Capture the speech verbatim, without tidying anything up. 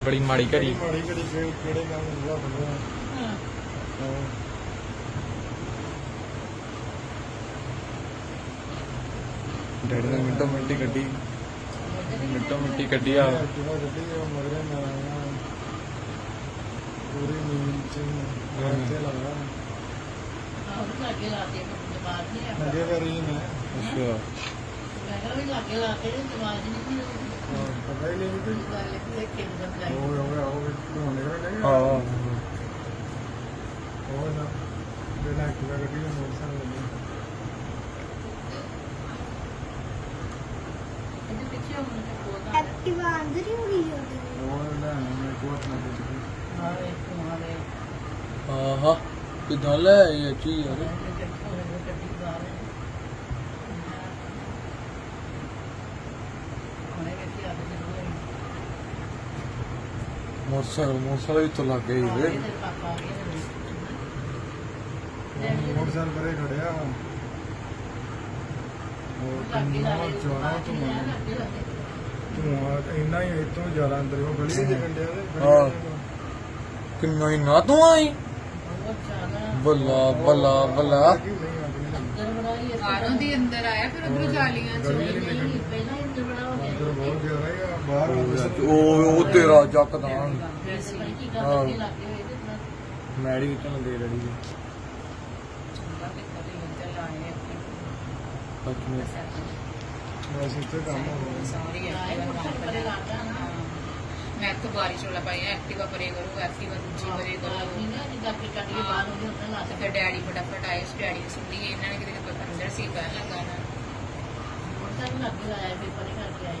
बड़ी माड़ी घड़ी माड़ी घड़ी केड़े काम हुआ बंदा हां डैडी ने मिनटों मिनटी गड्डी मिनटों मिनटी गड्डी आ जो गड्डी मगरे में आया पूरी नींद से रहते लगा और लागे लाते दिमाग नहीं आता लगे कर रही मैं अच्छा मैं भी लागे लाते दिमाग नहीं पता ही नहीं कि ਗੱਲ ਇਹ ਕਿੰਨਾ ਲਾਈ हो गया हो गया निकल गए हां हो ना बिना एक्टिवा गड्डी में मोटरसाइकिल लगे ਇਹਦੇ ਪਿੱਛੇ ਹੁਣ ਤੇ ਕੋਦਾ एक्टिवा अंदर ही होगी होगी वो ना मैं कोट ना कुछ ਆਵੇ ਤੁਹਾਰੇ हां हां किधर ले ये चीज यार ਗੱਡੀ ਬਾਹਰ ਉਹਨੇ ਕਿਹਾ ਆ ਕੇ मोटरसाइकिल मोटरसाइकिल तो लग गई वे ਪਾਪਾ ਆ ਗਏ मोटरसाइकिल परे खड़िया और कितना ज्यादा धुआं धुआं इन्ना ही इतों ज्यादा अंदर वो गली दे कंडे हाँ। किन्ना ही ना तू आई ਬਹੁਤ ਜ਼ਿਆਦਾ बल्ला बल्ला बल्ला ਅੰਦਰ ਬਣਾਈ ਬਾਹਰੋਂ ਦੀ ਅੰਦਰ ਆਇਆ ਫਿਰ ਉਧਰੋਂ ਜਾਲੀਆਂ ਚ गली नहीं ਨਹੀਂ ਪਹਿਲਾਂ ਹੀ ਅੰਦਰ ਬਣਾ ਹੋ अंदर बहुत ज्यादा है बाहर ओ ओ तेरा जकदा ਗਿਆ ਸੀ ਕੀ ਗੱਲ ਕੀ ਲੱਗੇ ਹੋਏ ਤੇ ਇਤਨਾ मैडी विचों दे रही है ਚੰਗਾ ਤੇ ਕਦੇ ਅੰਦਰ ਲਾਏ अच्छा बस इतने काम हो गया ਸਾਰੀ ਆਏ ਐਕਟਿਵਾ ਮੋਟਰ ਪਰੇ ਲਾਤਾ ਨਾ ਮੈਂ ਤਾਂ ਬਾਰਿਸ਼ ਵਾਲਾ ਪਾਇਆ ਐਕਟਿਵਾ ਪਰੇ ਕਰੋ ਐਕਟਿਵਾ ਦੂਜੀ ਪਰੇ ਕਰੋ ਨਹੀਂ ਨਾ ਜਿੱਦਾਂ ਕਿ ਕੱਢ ਕੇ ਬਾਹਰ ਉਹਦੇ ਉੱਤੇ ਲਾ ਤੇ ਫਿਰ ਡੈਡੀ ਫਟਾਫਟ ਆਏ ਉਸ ਡੈਡੀ ਨੇ ਸੁਣੀ ਇਹਨਾਂ ਨੇ ਕਿਤੇ ਅੰਦਰ ਸੀ ਕਹਿਣ ਲੱਗਾ ਨਾ ਮੋਟਰ ਲੱਗੇ ਆਇਆ ਪੇਪਰ ਹੀ ਕਰਕੇ ਆਏ